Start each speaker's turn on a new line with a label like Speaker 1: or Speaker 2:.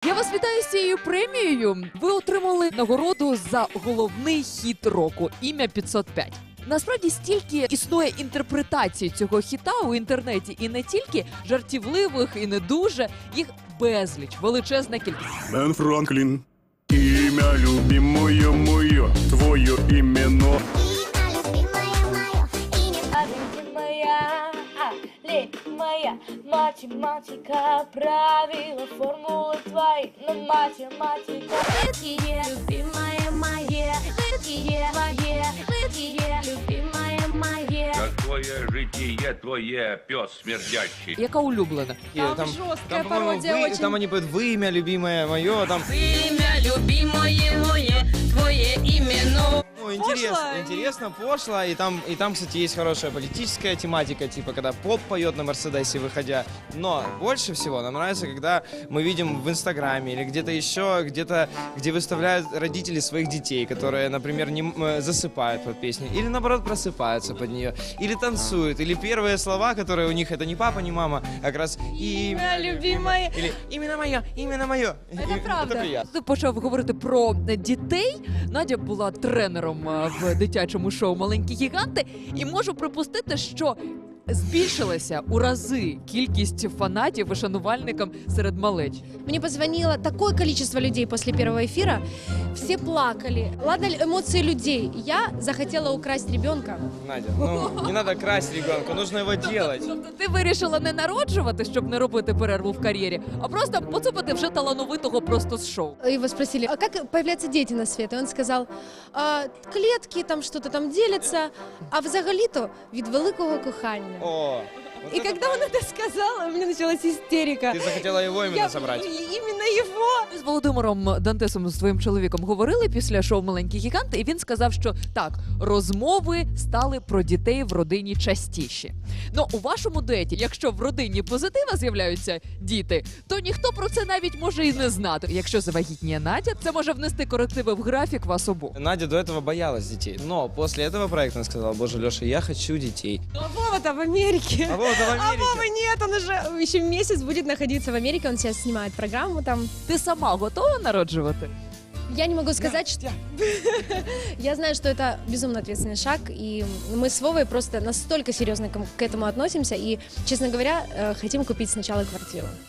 Speaker 1: Я вас вітаю з цією премією. Ви отримали нагороду за головний хіт року «Ім'я 505». Насправді стільки існує інтерпретацій цього хіта у інтернеті, і не тільки жартівливих, і не дуже, їх безліч, величезна кількість.
Speaker 2: Бен Франклін, ім'я любимое моє, твоє імено.
Speaker 3: Моя математика, правила, формулы твои, но математика. Лыткие, любимое мое, лыткие, мое, лыткие, любимое мое.
Speaker 4: Какое житие твое, пес смердящий.
Speaker 1: Яка улюблена?
Speaker 5: Там
Speaker 6: жесткая
Speaker 5: по-моему,
Speaker 6: пародия очень.
Speaker 5: Там они поют «Вы имя любимое мое», там...
Speaker 7: Имя любимое мое, твое имя,
Speaker 5: Ну, интересно, пошло, и там, кстати, есть хорошая политическая тематика, типа, когда поп поет на Мерседесе, выходя. Но больше всего нам нравится, когда мы видим в Инстаграме или где-то еще, где-то, где выставляют родители своих детей, которые, например, засыпают под песню, или, наоборот, просыпаются под нее, или танцуют, или первые слова, которые у них, это не папа, не мама, а как раз «Имя
Speaker 6: любимое».
Speaker 5: или «Именно мое, именно мое».
Speaker 6: Это правда.
Speaker 5: Это приятно.
Speaker 1: Ти почав говорити про дітей. Надя була тренером в дитячому шоу «Маленькі гіганти», і можу припустити, що збільшилася у рази кількість фанатів і шанувальникам серед малечі.
Speaker 6: Мне позвонило такое количество людей после первого эфира. Все плакали. Ладно, эмоции людей. Я захотела украсть ребенка.
Speaker 5: Надя, ну, не надо красть ребенка, нужно его делать.
Speaker 1: Тобто ти вирішила не народжувати, щоб не робити перерву в кар'єрі, а просто поцупити вже талановитого просто з шоу.
Speaker 6: Его спросили, а как появляются дети на свет? И он сказал, клетки, там что-то там делятся, а взагалі-то від великого кохання.
Speaker 5: О, вот
Speaker 6: И
Speaker 5: это
Speaker 6: когда он это сказал, у меня началась истерика.
Speaker 5: Ты захотела его именно собрать.
Speaker 6: Именно его.
Speaker 1: Ми з Володимиром Дантесом, з твоїм чоловіком, говорили після шоу «Маленькі гіганти», і він сказав, що так, розмови стали про дітей в родині частіші. Ну, у вашому дуеті, якщо в родині позитива з'являються діти, то ніхто про це навіть може і не знати. Якщо завагітніє Надя, це може внести корективи в графік вас обох.
Speaker 5: Надя до этого боялась детей, но после этого проекта она сказала: боже, Леша, я хочу детей.
Speaker 6: А Вова-то в Америке.
Speaker 5: А Вова-то в Америке.
Speaker 6: А Вова нет, он уже еще месяц будет находиться в Америке, он сейчас снимает программу там.
Speaker 1: Ти сама готова народжувати?
Speaker 6: Я не могу сказать, что... Я знаю, что это безумно ответственный шаг, и мы с Вовой просто настолько серьезно к этому относимся, и, честно говоря, хотим купить сначала квартиру.